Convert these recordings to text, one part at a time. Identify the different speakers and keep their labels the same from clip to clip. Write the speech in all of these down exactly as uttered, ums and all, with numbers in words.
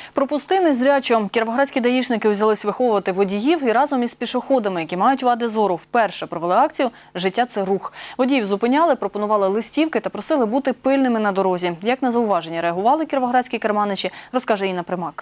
Speaker 1: Пропусти незрячо. Кіровоградські даїшники взялись виховувати водіїв і разом із пішоходами, які мають вади зору, вперше провели акцію «Життя – це рух». Водіїв зупиняли, пропонували листівки та просили бути пильними на дорозі. Як на зауваження реагували кіровоградські керманичі, розкаже Інна Примак.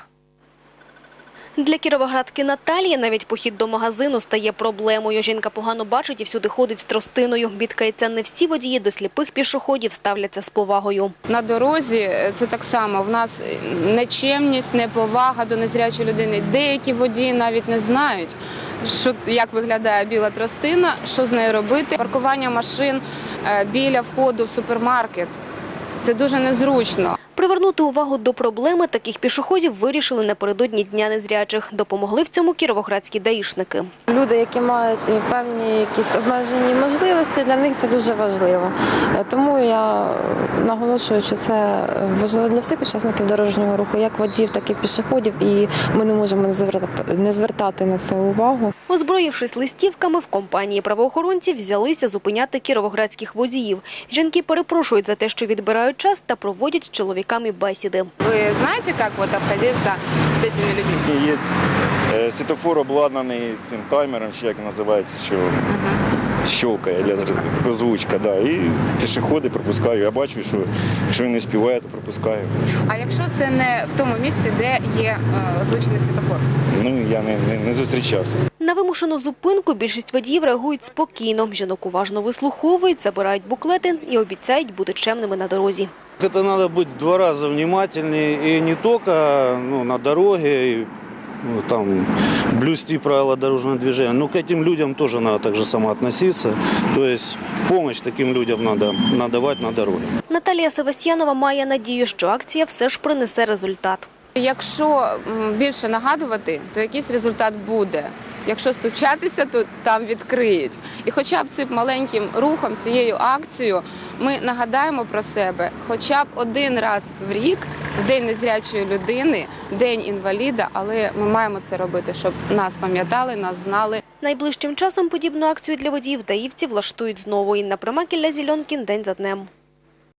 Speaker 2: Для кіровоградки Наталії навіть похід до магазину стає проблемою. Жінка погано бачить і всюди ходить з тростиною. Бідкається, не всі водії до сліпих пішоходів ставляться з повагою.
Speaker 3: На дорозі це так само. В нас нечемність, неповага до незрячої людини. Деякі водії навіть не знають, що, як виглядає біла тростина, що з нею робити. Паркування машин біля входу в супермаркет – це дуже незручно.
Speaker 2: Привернути увагу до проблеми таких пішоходів вирішили напередодні Дня незрячих. Допомогли в цьому кіровоградські даїшники.
Speaker 4: Люди, які мають певні якісь обмежені можливості, для них це дуже важливо. Тому я наголошую, що це важливо для всіх учасників дорожнього руху, як водіїв, так і пішоходів, і ми не можемо не звертати на це увагу.
Speaker 2: Озброївшись листівками, в компанії правоохоронців взялися зупиняти кіровоградських водіїв. Жінки перепрошують за те, що відбирають час та проводять з чоловіками бесіди.
Speaker 3: Ви знаєте, як от обходитися з цими людьми?
Speaker 5: Є світлофор обладнаний цим таймером, чи як називається, що щелкає, озвучка, да. І пішоходи пропускаю. Я бачу, що якщо він не співає, то пропускаю.
Speaker 3: А якщо це не в тому місці, де є озвучений світлофор?
Speaker 5: Ну, я не, не, не зустрічався.
Speaker 2: На вимушену зупинку більшість водіїв реагують спокійно. Жінок уважно вислуховують, забирають буклети і обіцяють бути чемними на дорозі.
Speaker 6: Это надо быть в два раза внимательнее и не только ну, на дороге, и, ну, там, блюсти правила дорожного движения, но к этим людям тоже надо так же само относиться. То есть помощь таким людям надо надавать на дороге.
Speaker 2: Наталія Севастьянова має надію, що акція все ж принесе результат.
Speaker 3: Якщо більше нагадувати, то якийсь результат буде. Якщо стучатися, то там відкриють. І хоча б цим маленьким рухом, цією акцією, ми нагадаємо про себе хоча б один раз в рік, в День незрячої людини, День інваліда, але ми маємо це робити, щоб нас пам'ятали, нас знали.
Speaker 2: Найближчим часом подібну акцію для водіїв даївці влаштують знову. Інна Примак, Ілля Зільонкін, день за днем.